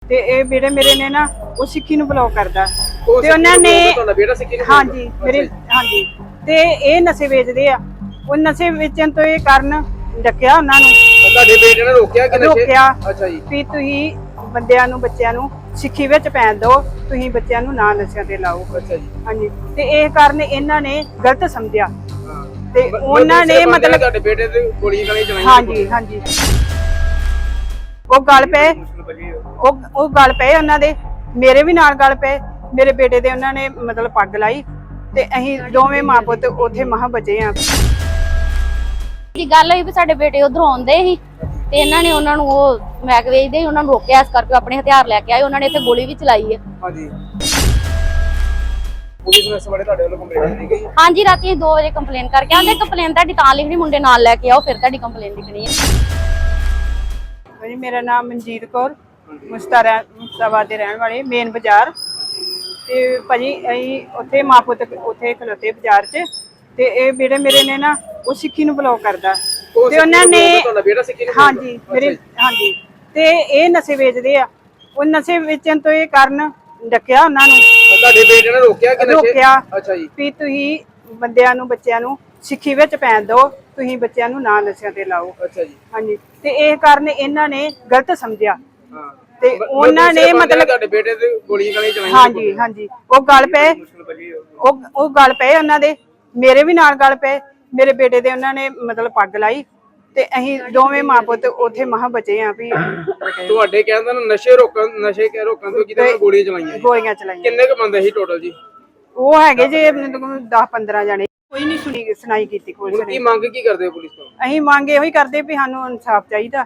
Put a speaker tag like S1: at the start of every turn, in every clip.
S1: ਤੇ ਇਹ ਬੇੜੇ ਮੇਰੇ ਨੇ ਨਾ ਉਹ ਸਿੱਖੀ ਨੂੰ ਬਲੌਕ ਕਰਦਾ ਤੇ ਉਹਨਾਂ ਨੇ ਹਾਂਜੀ ਮੇਰੇ ਹਾਂਜੀ ਤੇ ਇਹ ਨਸ਼ੇ ਵੇਚਦੇ ਆ। ਉਹ ਨਸ਼ੇ ਵੇਚਣ ਤੋਂ ਇਹ ਕਾਰਨ ਡੱਕਿਆ ਉਹਨਾਂ ਨੂੰ।
S2: ਤੁਹਾਡੇ ਬੇਟੇ ਨੇ ਰੋਕਿਆ ਕਿ
S1: ਰੋਕਿਆ
S2: ਅੱਛਾ ਜੀ
S1: ਵੀ ਤੁਸੀਂ ਬੰਦਿਆਂ ਨੂੰ ਬੱਚਿਆਂ ਨੂੰ ਸਿੱਖੀ ਵਿੱਚ ਪੈਣ ਦਿਓ, ਤੁਸੀਂ ਬੱਚਿਆਂ ਨੂੰ ਨਾ ਨਸ਼ਿਆਂ ਤੇ ਲਾਓ।
S2: ਅੱਛਾ ਜੀ
S1: ਹਾਂਜੀ ਤੇ ਇਹ ਕਾਰਨ ਇਹਨਾਂ ਨੇ ਗਲਤ ਸਮਝਿਆ ਤੇ ਉਹਨਾਂ ਨੇ ਮਤਲਬ
S2: ਤੁਹਾਡੇ ਬੇਟੇ ਤੇ ਗੋਲੀਆਂ ਗਾਲੀਆਂ ਚਲਾਈਆਂ।
S1: ਹਾਂਜੀ ਹਾਂਜੀ ਉਹ ਗੱਲ ਪਏ ਉਹ ਗੱਲ ਪਏ ਉਹਨਾਂ ਦੇ, ਮੇਰੇ ਵੀ ਨਾਲ ਗੱਲ ਪਏ। ਮੇਰੇ ਬੇਟੇ ਦੇ ਉਹਨਾਂ ਨੇ ਮਤਲਬ ਪੱਗ ਲਾਈ ਤੇ ਅਸੀਂ ਦੋਵੇਂ ਮਾਂ ਪੁੱਤ ਉੱਥੇ ਮਹਾਂ ਬਚੇ ਆ।
S3: ਦੀ ਗੱਲ ਹੋਈ ਵੀ ਸਾਡੇ ਬੇਟੇ ਉਧਰੋਂ ਆਉਂਦੇ ਸੀ ਤੇ ਇਹਨਾਂ ਨੇ ਉਹਨਾਂ ਨੂੰ ਉਹ ਮੈਕ ਵੇਚਦੇ ਸੀ, ਉਹਨਾਂ ਨੂੰ ਰੋਕਿਆ। ਇਸ ਕਰਕੇ ਆਪਣੇ ਹਥਿਆਰ ਲੈ ਕੇ ਆਏ। ਉਹਨਾਂ ਨੇ ਇੱਥੇ ਗੋਲੀ ਵੀ ਚਲਾਈ ਹੈ।
S2: ਹਾਂਜੀ ਪੁਲਿਸ ਨੂੰ ਇਸ ਬਾਰੇ ਤੁਹਾਡੇ ਵੱਲੋਂ ਕੰਪਲੇਂਟ ਦਿੱਤੀ ਗਈ?
S3: ਹਾਂਜੀ ਰਾਤੀ 2 ਵਜੇ ਕੰਪਲੇਨ ਕਰਕੇ ਆਉਂਦੇ। ਕੰਪਲੇਨ ਤੁਹਾਡੀ ਤਾਂ ਲਿਖਣੀ, ਮੁੰਡੇ ਨਾਲ ਲੈ ਕੇ ਆਓ ਫਿਰ ਤੁਹਾਡੀ ਕੰਪਲੇਨ ਲਿਖਣੀ ਹੈ।
S1: ਭਾਜੀ ਮੇਰਾ ਨਾਮ ਮਨਜੀਤ ਕੌਰ, ਮੁਸਤਾਬਾਦ ਦੇ ਰਹਿਣ ਵਾਲੇ, ਮੇਨ ਬਾਜ਼ਾਰ। ਤੇ ਭਾਜੀ ਅਸੀਂ ਉੱਥੇ ਮਾਂ ਪੁੱਤ ਉੱਥੇ ਖਲੋਤੇ ਬਾਜ਼ਾਰ 'ਚ ਤੇ ਇਹ ਬੇੜੇ ਮੇਰੇ ਨੇ ਨਾ ਉਹ ਸਿੱਖੀ ਨੂੰ ਬਲੌਕ ਕਰਦਾ ਤੇ ਉਹਨਾਂ ਨੇ ਹਾਂਜੀ ਮੇਰੇ ਹਾਂਜੀ ਤੇ ਇਹ ਨਸ਼ੇ ਵੇਚਦੇ ਆ। ਉਹ ਨਸ਼ੇ ਵੇਚਣ ਤੋਂ ਇਹ ਕਾਰਨ ਡੱਕਿਆ ਉਹਨਾਂ ਨੂੰ।
S2: ਤੁਹਾਡੇ ਬੇਟੇ ਨੇ ਰੋਕਿਆ ਕਿ
S1: ਰੋਕਿਆ
S2: ਅੱਛਾ ਜੀ
S1: ਵੀ ਤੁਸੀਂ ਬੰਦਿਆਂ ਨੂੰ ਬੱਚਿਆਂ ਨੂੰ ਸਿੱਖੀ ਵਿੱਚ ਪੈਣ ਦਿਓ, ਤੁਸੀਂ ਬੱਚਿਆਂ ਨੂੰ ਨਾ ਨਸ਼ਿਆਂ ਤੇ ਲਾਓ।
S2: ਅੱਛਾ ਜੀ
S1: ਹਾਂਜੀ ਤੇ ਇਹ ਕਾਰਨ ਇਹਨਾਂ ਨੇ ਗਲਤ ਸਮਝਿਆ
S2: ਹਾਂ
S1: ਤੇ ਉਹਨਾਂ ਨੇ ਮਤਲਬ
S2: ਤੁਹਾਡੇ ਬੇਟੇ ਤੇ ਗੋਲੀਆਂ ਗਾਲੀਆਂ ਚਲਾਈਆਂ।
S1: ਹਾਂਜੀ ਹਾਂਜੀ ਉਹ ਗੱਲ ਪਏ ਉਹ ਗੱਲ ਪਏ ਉਹਨਾਂ ਦੇ, ਮੇਰੇ ਵੀ ਨਾਲ ਗੱਲ ਪਏ। ਮੇਰੇ ਬੇਟੇ ਦੇ ਉਹਨਾਂ ਨੇ ਮਤਲਬ ਪੱਗ ਲਾਈ ਤੇ ਅਸੀਂ ਦੋਵੇਂ ਮਾਂ ਪੁੱਤ ਉੱਥੇ ਮਹਾਂ ਬਚੇ ਆ। ਵੀ
S2: ਤੁਹਾਡੇ ਕਹਿੰਦੇ ਨੇ ਨਸ਼ੇ ਰੋਕਣ ਤੋਂ ਕਿਤੇ ਗੋਲੀਆਂ ਚਲਾਈਆਂ। ਕਿੰਨੇ ਕੁ ਬੰਦੇ ਸੀ ਟੋਟਲ ਜੀ?
S1: ਉਹ ਹੈਗੇ ਜੇ 10-15 ਜਣੇ। ਕੋਈ ਨਹੀਂ ਸੁਣਾਈ ਕੀਤੀ ਪੁਲਿਸ ਨੇ।
S2: ਕੀ ਮੰਗ ਕੀ ਕਰਦੇ ਹੋ ਪੁਲਿਸ ਤੋਂ?
S1: ਅਸੀਂ ਮੰਗ ਇਹੋ ਹੀ ਕਰਦੇ ਵੀ ਸਾਨੂੰ ਇਨਸਾਫ ਚਾਹੀਦਾ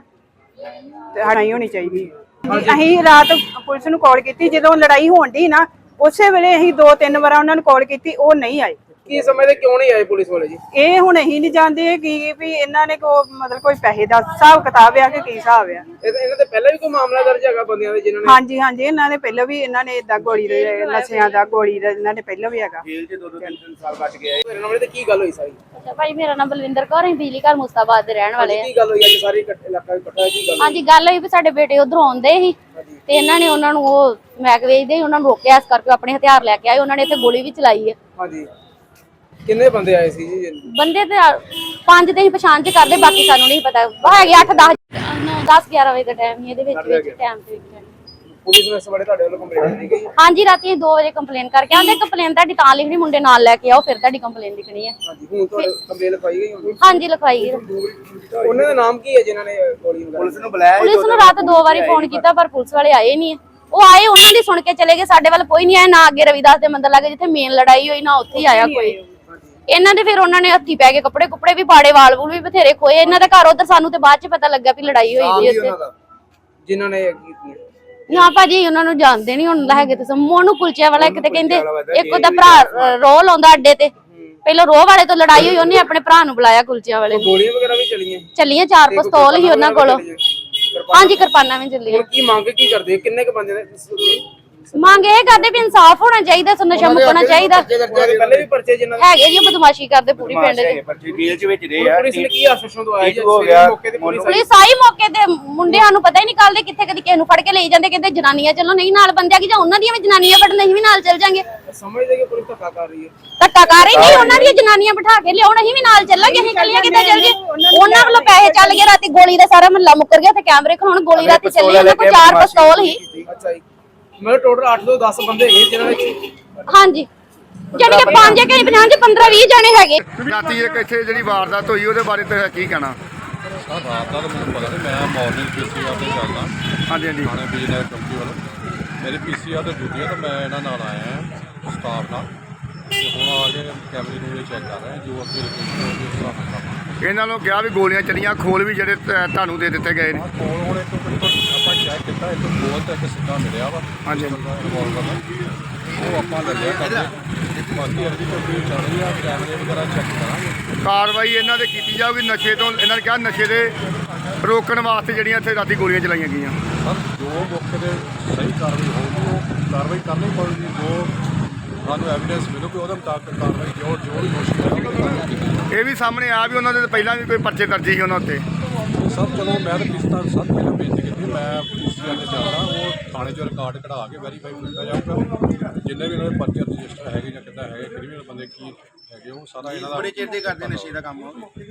S1: ਤੇ ਲੜਾਈ ਹੋਣੀ ਚਾਹੀਦੀ। ਅਸੀਂ ਰਾਤ ਪੁਲਿਸ ਨੂੰ ਕਾਲ ਕੀਤੀ ਜਦੋਂ ਲੜਾਈ ਹੋਣ ਦੀ ਨਾ, ਉਸੇ ਵੇਲੇ ਅਸੀਂ 2-3 ਵਾਰ ਉਹਨਾਂ ਨੂੰ ਕਾਲ ਕੀਤੀ, ਉਹ ਨਹੀਂ ਆਏ।
S2: ਕੀ ਸਮਝਦੇ ਕਿਉਂ ਨਹੀਂ ਆਏ ਪੁਲਿਸ ਵਾਲੇ ਜੀ?
S1: ਇਹ ਹੁਣ ਅਸੀਂ ਨਹੀਂ ਜਾਣਦੇ ਕਿ ਵੀ ਇਹਨਾਂ ਨੇ ਮਤਲਬ ਕੋਈ ਪੈਸੇ ਦਾ ਹਿਸਾਬ ਕਿਤਾਬ ਆ ਕਿ ਕੀ ਹਿਸਾਬ ਆ।
S2: ਇਹਨਾਂ ਤੇ ਪਹਿਲਾਂ ਵੀ ਕੋਈ ਮਾਮਲਾ ਦਰਜ ਹੈਗਾ ਬੰਦਿਆਂ ਦੇ ਜਿਨ੍ਹਾਂ ਨੇ?
S1: ਹਾਂਜੀ ਹਾਂਜੀ ਇਹਨਾਂ ਨੇ ਪਹਿਲਾਂ ਵੀ ਇਹਨਾਂ ਨੇ ਇਦਾਂ ਗੋਲੀ ਦੇ ਨਸ਼ਿਆਂ ਦਾ ਗੋਲੀ ਦਾ ਇਹਨਾਂ ਨੇ ਪਹਿਲਾਂ ਵੀ ਹੈਗਾ।
S2: ਜੇਲ੍ਹ 'ਚ 2-3 ਸਾਲ ਬਚ ਗਏ। ਮੇਰੇ ਨਾਲ ਤੇ ਕੀ ਗੱਲ ਹੋਈ ਸਾਰੀ?
S3: ਅੱਛਾ ਭਾਈ ਮੇਰਾ ਨਾਮ ਬਲਵਿੰਦਰ ਕੌਰ ਹੈ, ਬਿਜਲੀ ਘਰ ਮੁਸਤਾਬਾਦ ਦੇ ਰਹਿਣ ਵਾਲੇ ਆ।
S2: ਕੀ ਗੱਲ ਹੋਈ ਅੱਜ ਸਾਰੀ ਇਲਾਕਾ ਇਕੱਠਾ ਕੀ ਗੱਲ?
S3: ਹਾਂਜੀ ਗੱਲ ਹੋਈ ਵੀ ਸਾਡੇ ਬੇਟੇ ਉਧਰੋਂ ਆਉਂਦੇ ਸੀ ਤੇ ਇਹਨਾਂ ਨੇ ਉਹਨਾਂ ਨੂੰ ਉਹ ਮੈਕ ਵੇਚਦੇ ਸੀ, ਉਹਨਾਂ ਨੂੰ ਰੋਕਿਆ। ਇਸ ਕਰਕੇ ਆਪਣੇ ਹਥਿਆਰ ਲੈ ਕੇ ਆਏ। ਉਹਨਾਂ ਨੇ ਇੱਥੇ ਗੋਲੀ ਵੀ ਚਲਾਈ ਹੈ।
S2: ਹਾਂਜੀ ਕਿੰਨੇ ਬੰਦੇ ਆਏ ਸੀ ਜੀ?
S3: ਬੰਦੇ ਤੇ 5 ਦੇ ਹੀ ਪਛਾਣ ਚ ਕਰਦੇ, ਬਾਕੀ ਸਾਨੂੰ ਨਹੀਂ ਪਤਾ। ਹੈਗੇ 8-10-11 ਵਜੇ ਦਾ ਟਾਈਮ ਹੀ ਇਹਦੇ ਵਿੱਚ ਟਾਈਮ ਤੇ
S2: ਪੁਲਿਸ ਨੂੰ ਇਸ ਬਾਰੇ ਤੁਹਾਡੇ ਵੱਲੋਂ ਕੰਪਲੇਂਟ ਦਿੱਤੀ ਗਈ?
S3: ਹਾਂਜੀ ਰਾਤੀ 2 ਵਜੇ ਕੰਪਲੇਨ ਕਰਕੇ ਆਉਂਦੇ। ਕੰਪਲੇਨ ਤੁਹਾਡੀ ਤਾਂ ਲਿਖਣੀ, ਮੁੰਡੇ ਨਾਲ ਲੈ ਕੇ ਆਓ ਫਿਰ ਤੁਹਾਡੀ ਕੰਪਲੇਨ ਲਿਖਣੀ ਹੈ।
S2: ਹਾਂਜੀ ਹੁਣ ਤੁਹਾਡੇ ਕੰਪਲੇਂਟ ਲਿਖਾਈ ਗਈ?
S3: ਹਾਂਜੀ ਲਿਖਵਾਈ ਗਈ।
S2: ਉਹਨਾਂ ਦਾ ਨਾਮ ਕੀ ਹੈ ਜਿਨ੍ਹਾਂ ਨੇ ਗੋਲੀ ਵਗੈਰਾ? ਪੁਲਿਸ ਨੂੰ ਬੁਲਾਇਆ?
S3: ਪੁਲਿਸ ਨੂੰ ਰਾਤ 2 ਵਾਰੀ ਫੋਨ ਕੀਤਾ ਪਰ ਪੁਲਿਸ ਵਾਲੇ ਆਏ ਨਹੀਂ। ਉਹ ਆਏ, ਉਹਨਾਂ ਦੀ ਸੁਣ ਕੇ ਚਲੇ ਗਏ। ਸਾਡੇ ਵੱਲ ਕੋਈ ਨਹੀਂ ਆਇਆ ਨਾ। ਅੱਗੇ ਰਵਿਦਾਸ ਦੇ ਮੰਦਰ ਲੱਗੇ ਜਿੱਥੇ ਮੇਨ ਲੜਾਈ ਹੋਈ ਨਾ, ਉੱਥੇ ਹੀ ਆਇਆ ਕੋਈ। ਇਹਨਾਂ ਦੇ ਫਿਰ ਉਹਨਾਂ ਨੇ ਹੱਥੀ ਪੈ ਕੇ ਕੱਪੜੇ ਕੁਪੜੇ ਵੀ ਪਾੜੇ, ਵਾਲ ਵੂਲ ਵੀ ਬਥੇਰੇ ਖੋਏ। ਇਹਨਾਂ ਦਾ ਘਰ ਉਧਰ ਸਾਨੂੰ ਤੇ ਬਾਅਦ ਚ ਪਤਾ ਲੱਗਾ ਵੀ ਲੜਾਈ ਹੋਈ ਸੀ ਉੱਥੇ
S2: ਜਿਨ੍ਹਾਂ ਨੇ ਕੀਤੀ।
S3: ਨਾ ਭਾਜੀ ਉਹਨਾਂ ਨੂੰ ਜਾਣਦੇ ਨਹੀਂ ਹੁਣ ਹੈਗੇ ਤੇ ਮੋਨੂ ਕੁਲਚੇ ਵਾਲਾ ਇੱਕ ਤੇ ਕਹਿੰਦੇ ਇੱਕ ਉਹਦਾ ਭਰਾ ਰੋਹ ਲਾਉਂਦਾ ਅੱਡੇ ਤੇ। ਪਹਿਲਾਂ ਰੋਹ ਵਾਲੇ ਤੋਂ ਲੜਾਈ ਹੋਈ, ਉਹਨੇ ਆਪਣੇ ਭਰਾ ਨੂੰ ਬੁਲਾਇਆ ਕੁਲਚਿਆਂ ਵਾਲੇ ਨੂੰ।
S2: ਗੋਲੀਆਂ ਵਗੈਰਾ ਵੀ ਚੱਲੀਆਂ?
S3: 4 ਪਿਸਤੌਲ ਹੀ ਉਹਨਾਂ ਕੋਲ। ਹਾਂਜੀ ਕਿਰਪਾਨਾਂ ਵੀ ਚੱਲੀਆਂ।
S2: ਕੀ ਮੰਗ ਕੀ ਕਰਦੇ? ਕਿੰਨੇ ਕ ਬੰਦੇ ਨੇ
S3: ਮੰਗ ਇਹ ਕਰਦੇ ਵੀ ਇਨਸਾਫ ਹੋਣਾ ਚਾਹੀਦਾ, ਨਸ਼ਾ ਮੁਕਣਾ ਚਾਹੀਦਾ।
S2: ਪਹਿਲੇ ਵੀ ਪਰਚੇ ਜਿਨ੍ਹਾਂ ਦੇ
S3: ਹੈਗੇ ਜੀ ਬਦਮਾਸ਼ੀ ਕਰਦੇ ਪੂਰੀ ਪਿੰਡ ਦੇ।
S2: ਜੇਲ੍ਹ 'ਚ ਵਿੱਚ ਰਹੇ ਆ। ਪੁਲਿਸ ਨੇ ਕੀ ਆਸ਼ਵਾਸਨ ਦਵਾਇਆ ਜੀ? ਮੌਕੇ ਤੇ
S3: ਪੁਲਿਸ ਆਈ ਮੌਕੇ ਤੇ, ਮੁੰਡਿਆਂ ਨੂੰ ਪਤਾ ਹੀ ਨਹੀਂ ਕੱਲਦੇ ਕਿੱਥੇ ਕਦੀ ਕਿਸੇ ਨੂੰ ਫੜ ਕੇ ਲਈ ਜਾਂਦੇ। ਕਹਿੰਦੇ ਜਨਾਨੀਆਂ ਚੱਲੋ, ਨਹੀਂ ਨਾਲ ਬੰਦਿਆਂ ਕੀ ਜਾਂ ਉਹਨਾਂ ਦੀਆਂ ਵੀ ਜਨਾਨੀਆਂ ਫੜਨ, ਨਹੀਂ ਵੀ ਨਾਲ ਚੱਲ ਜਾਾਂਗੇ।
S2: ਸਮਝਦੇ ਕਿ ਪੁਲਿਸ ਧੱਕਾ ਕਰ ਰਹੀ ਹੈ?
S3: ਧੱਕਾ ਕਰ ਰਹੀ ਨਹੀਂ, ਉਹਨਾਂ ਦੀਆਂ ਜਨਾਨੀਆਂ ਬਿਠਾ ਕੇ ਲਿਆਉਣ, ਅਸੀਂ ਵੀ ਨਾਲ ਚੱਲਾਂਗੇ। ਅਸੀਂ ਕੱਲੀਆਂ ਕਿੱਦਾਂ ਚੱਲ ਜੇ? ਉਹਨਾਂ ਵੱਲੋਂ ਪੈਸੇ ਚੱਲ ਗਏ। ਰਾਤੀ ਗੋਲੀ ਦਾ ਸਾਰਾ ਮਹੱਲਾ ਮੁੱਕਰ ਗਿਆ ਤੇ ਕੈਮਰੇ ਖਲਾਉਣ। ਗੋਲੀ ਰਾਤੀ ਚੱਲੀ, ਉਹਨਾਂ ਕੋਲ 4 ਪਿਸਤੌਲ ਹੀ।
S2: ਅੱਛਾ ਜੀ ਮਤਲਬ ਟੋਟਲ 8 ਤੋਂ 10 ਬੰਦੇ ਹੈਗੇ ਜਿਨ੍ਹਾਂ ਨੇ?
S3: ਹਾਂਜੀ ਜਾਨੀ ਕਿ 5 ਕਿ 50 ਚ 15-20 ਜਣੇ ਹੈਗੇ।
S4: ਰਾਤੀ ਇੱਕ ਇੱਥੇ ਜਿਹੜੀ ਵਾਰਦਾਤ ਹੋਈ ਉਹਦੇ ਬਾਰੇ ਤੇ ਕੀ ਕਹਿਣਾ?
S5: ਸਰ ਰਾਤ ਦਾ ਤਾਂ ਮੈਨੂੰ ਪਤਾ ਨਹੀਂ। ਮੈਂ ਮਾਰਨਿੰਗ ਪੀਸੀਆਰ ਤੇ ਚੱਲਦਾ।
S4: ਹਾਂਜੀ ਹਾਂਜੀ
S5: ਥਾਣੇ ਬਿਜਨਸ ਕੰਪਨੀ ਵੱਲੋਂ ਮੇਰੀ ਪੀਸੀਆਰ ਤੇ ਡਿਊਟੀ ਹੈ ਤਾਂ ਮੈਂ ਇਹਨਾਂ ਨਾਲ ਆਇਆ ਹਾਂ ਸਟਾਫ ਨਾਲ। ਤੇ ਹੁਣ ਆ ਕੇ ਕੈਮਰੇ ਨੂੰ ਚੈੱਕ ਕਰ ਰਹੇ ਜੋ ਅੱਗੇ ਲੋਕੇਸ਼ਨ ਉਹਦੇ ਹਿਸਾਬ ਨਾਲ ਕਰਾਂਗੇ।
S4: ਇਹਨਾਂ ਨੂੰ ਕਿਹਾ ਵੀ ਗੋਲੀਆਂ ਚੱਲੀਆਂ, ਖੋਲ ਵੀ ਜਿਹੜੇ ਤੁਹਾਨੂੰ ਦੇ ਦਿੱਤੇ ਗਏ ਨੇ।
S5: ਕੋਲ ਹੁਣ ਇੱਕ ਆਪਾਂ ਚੈੱਕ ਕੀਤਾ, ਇੱਕ ਗੋਲ ਤੇ ਇੱਕ ਸਿੱਧਾ ਮਿਲਿਆ ਵਾ।
S4: ਹਾਂਜੀ
S5: ਰਿਵਾਲਵਰ ਦਾ ਉਹ ਆਪਾਂ ਲੱਗਿਆ ਕਰਦੇ। ਬਾਕੀ ਅਰਜੀ ਕੋਈ ਚੱਲ ਰਹੀ ਆ, ਕੈਮਰੇ ਵਗੈਰਾ ਚੈੱਕ ਕਰਾਂਗੇ।
S4: ਕਾਰਵਾਈ ਇਹਨਾਂ ਦੇ ਕੀਤੀ ਜਾਊਗੀ ਨਸ਼ੇ ਤੋਂ। ਇਹਨਾਂ ਨੇ ਕਿਹਾ ਨਸ਼ੇ ਦੇ ਰੋਕਣ ਵਾਸਤੇ ਜਿਹੜੀਆਂ ਇੱਥੇ ਰਾਤੀ ਗੋਲੀਆਂ ਚਲਾਈਆਂ ਗਈਆਂ।
S5: ਸਰ ਜੋ ਮੌਕੇ ਤੇ ਸਹੀ ਕਾਰਵਾਈ ਹੋਊਗੀ ਉਹ ਕਾਰਵਾਈ ਕਰਨੀ ਪਊਗੀ। ਜੋ ਸਾਨੂੰ ਐਵੀਡੈਂਸ ਮਿਲੂਗੀ ਉਹਦੇ ਮੁਤਾਬਕ ਕਾਰਵਾਈ ਜੋ ਵੀ ਦੋਸ਼ੀ ਹੈ।
S4: ਇਹ ਵੀ ਸਾਹਮਣੇ ਆ ਵੀ ਉਹਨਾਂ ਦੇ ਪਹਿਲਾਂ ਵੀ ਕੋਈ ਪਰਚੇ ਦਰਜ ਸੀ ਉਹਨਾਂ ਉੱਤੇ।
S5: ਸਰ ਚਲੋ ਮੈਂ ਤਾਂ ਕਿਸ ਤਰ੍ਹਾਂ ਸਰ ਪਹਿਲਾਂ ਬੇਨਤੀ ਕੀਤੀ, ਮੈਂ ਪੀਸੀਆਰ ਤੇ ਚੱਲਦਾ। ਉਹ ਥਾਣੇ 'ਚੋਂ ਰਿਕਾਰਡ ਕਢਾ ਕੇ ਵੈਰੀਫਾਈ ਕੀਤਾ ਜਾਊਗਾ। ਜਿੰਨੇ ਵੀ ਇਹਨਾਂ ਦੇ ਪਰਚੇ ਰਜਿਸਟਰ ਹੈਗੇ ਜਾਂ ਕਿੱਦਾਂ ਹੈਗੇ ਕ੍ਰਿਮੀਨਲ ਬੰਦੇ ਕੀ ਹੈਗੇ ਉਹ ਸਾਰਾ ਇਹਨਾਂ ਦਾ
S6: ਬੜੇ ਚਿਰ ਦੇ ਕਰਦੇ ਨਸ਼ੇ ਦਾ ਕੰਮ